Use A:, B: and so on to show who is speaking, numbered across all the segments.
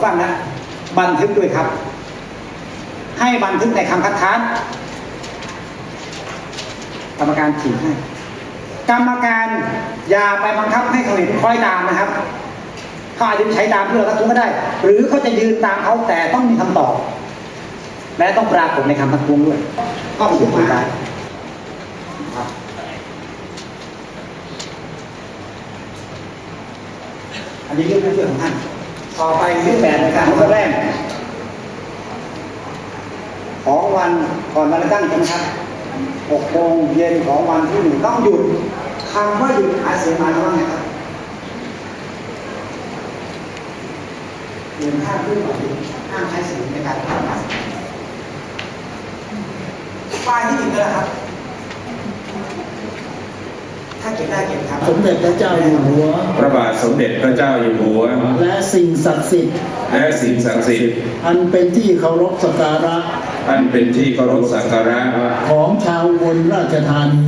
A: ฟังนะบันทึกด้วยครับให้บันทึกในคำคัดค้านกรรมการฉีกให้กรรมการอย่าไปบังคับให้เขาเห็นคอยตามนะครับเขาอาจจะใช้ตามเพื่อทักท้วงก็ได้หรือเขาจะยืนตามเขาแต่ต้องมีคำตอบและต้องปรากฏในคำทักท้วงด้วยก็ถูกคุยได้ครับอันนี้เรื่องเรื่องของท่านต่อไปเรื่องแบบในการของแรกของวันก่อนวันเลือกตั้งใช่ไหมครับ6 โมงเย็นของวันที่ 1ต้องหยุดคำว่าหยุดหาเสียงหมายความว่าไงครับเรียนห้ามพูดหรือห้ามใช้เสียงในการทำงานป้ายที่ติดเลยครับถ้าเก็บได้เก็บครับ
B: สมเด็จพระเจ้าอยู่หัว
C: พระบาทสมเด็จพระเจ้าอยู่หัว
B: และสิ่งศักดิ์สิทธิ์
C: อันเป็นที่เคารพสักการะ
B: ของชาวอุบลราชธานี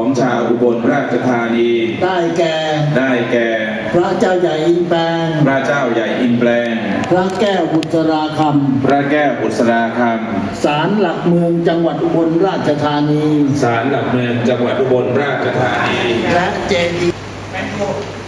B: ได้แก่พระเจ้าใหญ่อินแปลงพระแก้วบุษราคำศาลหลักเมืองจังหวัดอุบลราชธานีและเจดีย์